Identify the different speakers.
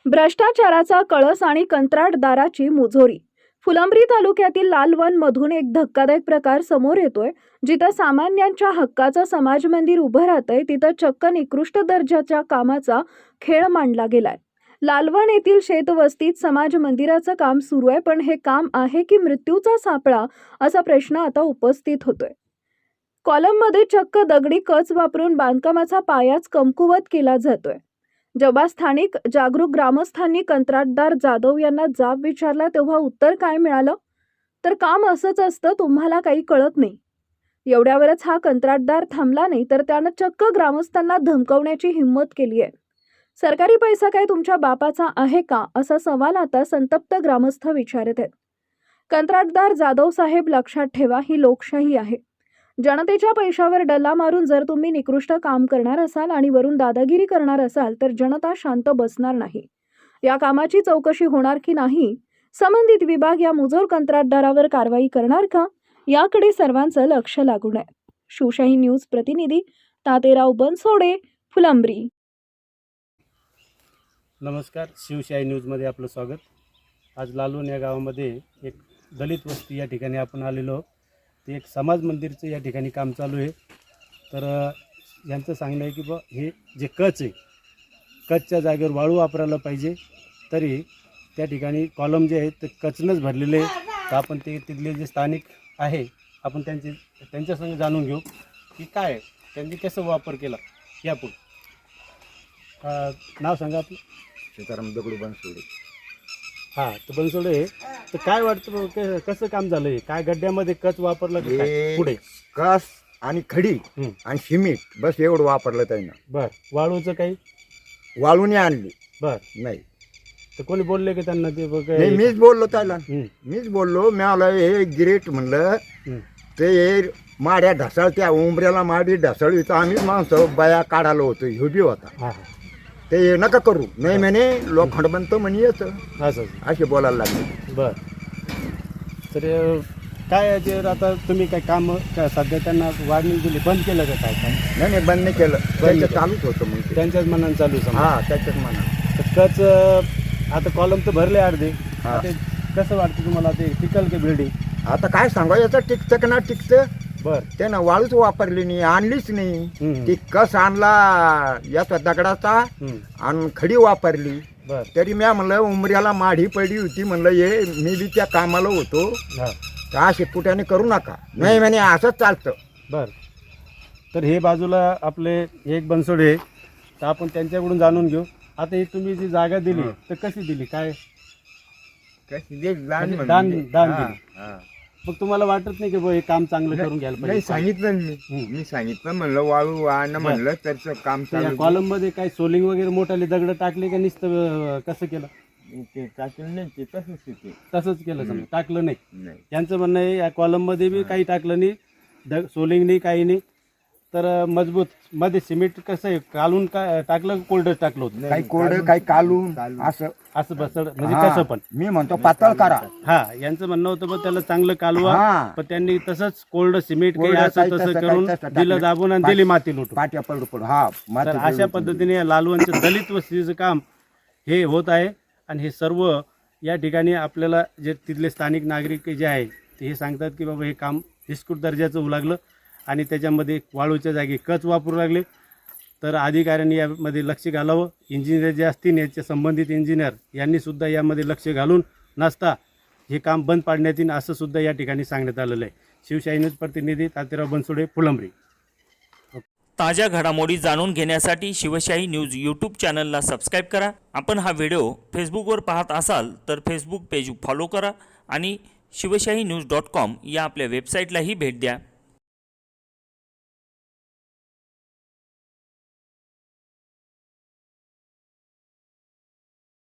Speaker 1: भ्रष्टाचाराचा कळस आणि कंत्राटदाराची मुजोरी. फुलंब्री तालुक्यातील लालवन मधून एक धक्कादायक प्रकार समोर येतोय. जिथं सामान्यांच्या हक्काचं समाज मंदिर उभं राहतंय तिथं चक्क निकृष्ट दर्जाच्या कामाचा खेळ मांडला गेलाय. लालवन येथील शेतवस्तीत समाज मंदिराचं काम सुरू आहे, पण हे काम आहे की मृत्यूचा सापळा असा प्रश्न आता उपस्थित होतोय. कॉलममध्ये चक्क दगडी कच वापरून बांधकामाचा पायाच कमकुवत केला जातोय. जेव्हा स्थानिक जागरूक ग्रामस्थांनी कंत्राटदार जाधव यांना जाब विचारला तेव्हा उत्तर काय मिळालं तर काम असंच असतं, तुम्हाला काही कळत नाही. एवढ्यावरच हा कंत्राटदार थांबला नाही तर त्यानं चक्क ग्रामस्थांना धमकावण्याची हिंमत केली आहे. सरकारी पैसा काय तुमच्या बापाचा आहे का असा सवाल आता संतप्त ग्रामस्थ विचारत आहेत. कंत्राटदार जाधव साहेब, लक्षात ठेवा, ही लोकशाही आहे. जनतेच्या पैशावर डल्ला मारून जर तुम्ही निकृष्ट काम करणार असाल आणि वरून दादागिरी करणार असाल तर जनता शांत बसणार नाही. या कामाची चौकशी होणार की नाही, संबंधित विभाग या मुजोर कंत्राटदारावर कारवाई करणार का, याकडे सर्वांचं लक्ष लागून आहे. शिवशाही न्यूज प्रतिनिधी तातेराव बनसोडे, फुलंब्री.
Speaker 2: नमस्कार, शिवशाही न्यूजमध्ये आपलं स्वागत. आज लालवन या गावामध्ये एक दलित वस्ती या ठिकाणी आपण आलेलो. ते एक समाज मंदिरचं या ठिकाणी काम चालू आहे. तर यांचं सांगणं आहे की बा हे जे कच आहे, कचच्या जागेवर वाळू वापरायला पाहिजे. तरी त्या ठिकाणी कॉलम जे आहेत ते कचनंच भरलेले आहे. तर आपण ते तिथले जे स्थानिक आहे आपण त्यांच्यासंग जाणून घेऊ की काय त्यांनी कसं वापर केला. यापुढे नाव सांगा आपलं.
Speaker 3: सीताराम दगडू बनसोडे.
Speaker 2: हां, तर बनसोडे, तर काय वाटतं कसं काम झालं आहे? काय गड्ड्यामध्ये कच वापरलं की काय? पुढे
Speaker 3: कस आणि खडी आणि सिमेंट बस एवढं वापरलं त्यानं.
Speaker 2: बर, वाळूचं काही
Speaker 3: वाळूने आणली
Speaker 2: बर
Speaker 3: नाही.
Speaker 2: तर कोणी बोलले की त्यांना ते
Speaker 3: नाही, मीच बोललो त्याला. मीच बोललो, मला हे गिरेट म्हणलं ते माड्या ढसाळ, त्या उंबऱ्याला माडी ढसाळ इथं आम्ही माणसं बाया काढायला होतो. ह्यो बी होता. ते नका करू नाही म्हणे, लोखंड बनतं म्हणे येतं
Speaker 2: असं
Speaker 3: असे बोलायला लागले.
Speaker 2: बर, तर काय याचे आता तुम्ही काय काम सध्या त्यांना वाढणी दिली, बंद केलं का काय काम?
Speaker 3: नाही बंद नाही केलं, त्यांचं चालूच होतं. मग ते
Speaker 2: त्यांच्याच मनानं चालू आहे.
Speaker 3: हा, त्याच्याच मनात.
Speaker 2: तर कच आता कॉलम तर भरले अर्धे. ते कसं वाटतं तुम्हाला, ते टिकल की बिल्डिंग?
Speaker 3: आता काय सांगा, याचं टिकतं का ना टिकतं.
Speaker 2: बर,
Speaker 3: त्यानं वाळूच वापरली नाही, आणलीच नाही. ती कस आणला याचा दगडाचा आणि खडी वापरली.
Speaker 2: बर,
Speaker 3: तरी मी म्हणलं उमऱ्याला माढी पडली होती, म्हणलं ये मी बी त्या कामाला होतो, तर असे कुठ्याने करू नका. नाही म्हणे असंच चालतं.
Speaker 2: बर, तर हे बाजूला आपले एक बनसोडे, तर आपण त्यांच्याकडून जाणून घेऊ. आता ही तुम्ही जी जागा दिली तर कशी दिली, काय म्हणजे दान दिली? मग तुम्हाला वाटत नाही की हे काम चांगलं करून घ्यायला
Speaker 4: नाही,
Speaker 2: पाहिजे?
Speaker 4: सांगितलं मी सांगितलं, म्हणलं वाळू आण म्हणलं, त्याचं काम चालू.
Speaker 2: कॉलम मध्ये काय सोलिंग वगैरे मोठाले दगड टाकले का नुसतं कसं केलं?
Speaker 4: ते टाकलं नाही, ते तसंच तिथे
Speaker 2: तसंच केलं, समजा टाकलं नाही.
Speaker 4: नाही.
Speaker 2: यांचं म्हणणं आहे या कॉलम मध्ये बी काही टाकलं नाही, सोलिंग नाही, काही नाही. तर मजबूत मध्ये सिमेंट कसं आहे, कालून काय टाकलं, कोल्डच टाकलं होतं?
Speaker 3: काही कोरडं काही कालून असं
Speaker 2: असं बसड म्हणजे कसं पण.
Speaker 3: मी म्हणतो पातळ करा.
Speaker 2: हा, यांचं म्हणणं होतं पण त्याला चांगलं कालवा, पण त्यांनी तसंच कोल्ड सिमेंट काही
Speaker 3: कोरडं
Speaker 2: असं
Speaker 3: काही
Speaker 2: तसं
Speaker 3: तसं
Speaker 2: करून
Speaker 3: काही तसं
Speaker 2: दिलं दाबून आणि दिली माती लुटून.
Speaker 3: पाट्या पडू पडू. हा,
Speaker 2: तर अशा पद्धतीने या लालवनचं दलित वस्तीचं काम हे होत आहे. आणि हे सर्व या ठिकाणी आपल्याला जे तिथले स्थानिक नागरिक जे आहे ते हे सांगतात की बाबा हे काम निष्कृत दर्जाचं होऊ लागलं आणि त्याच्यामध्ये वाळूच्या जागी कच वापरू लागले. तर अधिकाऱ्यांनी यामध्ये लक्ष घालावं. इंजिनियर जे असतील, याच्या संबंधित इंजिनियर यांनी सुद्धा यामध्ये लक्ष घालून नसता हे काम बंद पाडण्यात येईल असं सुद्धा या ठिकाणी सांगण्यात आलेलं आहे. शिवशाही न्यूज प्रतिनिधी तातेराव बनसोडे, फुलंब्री.
Speaker 5: ताज्या घडामोडी जाणून घेण्यासाठी शिवशाही न्यूज यूट्यूब चॅनलला सबस्क्राईब करा. आपण हा व्हिडिओ फेसबुकवर पाहत असाल तर फेसबुक पेज फॉलो करा आणि शिवशाही न्यूज.com या आपल्या वेबसाईटलाही भेट द्या.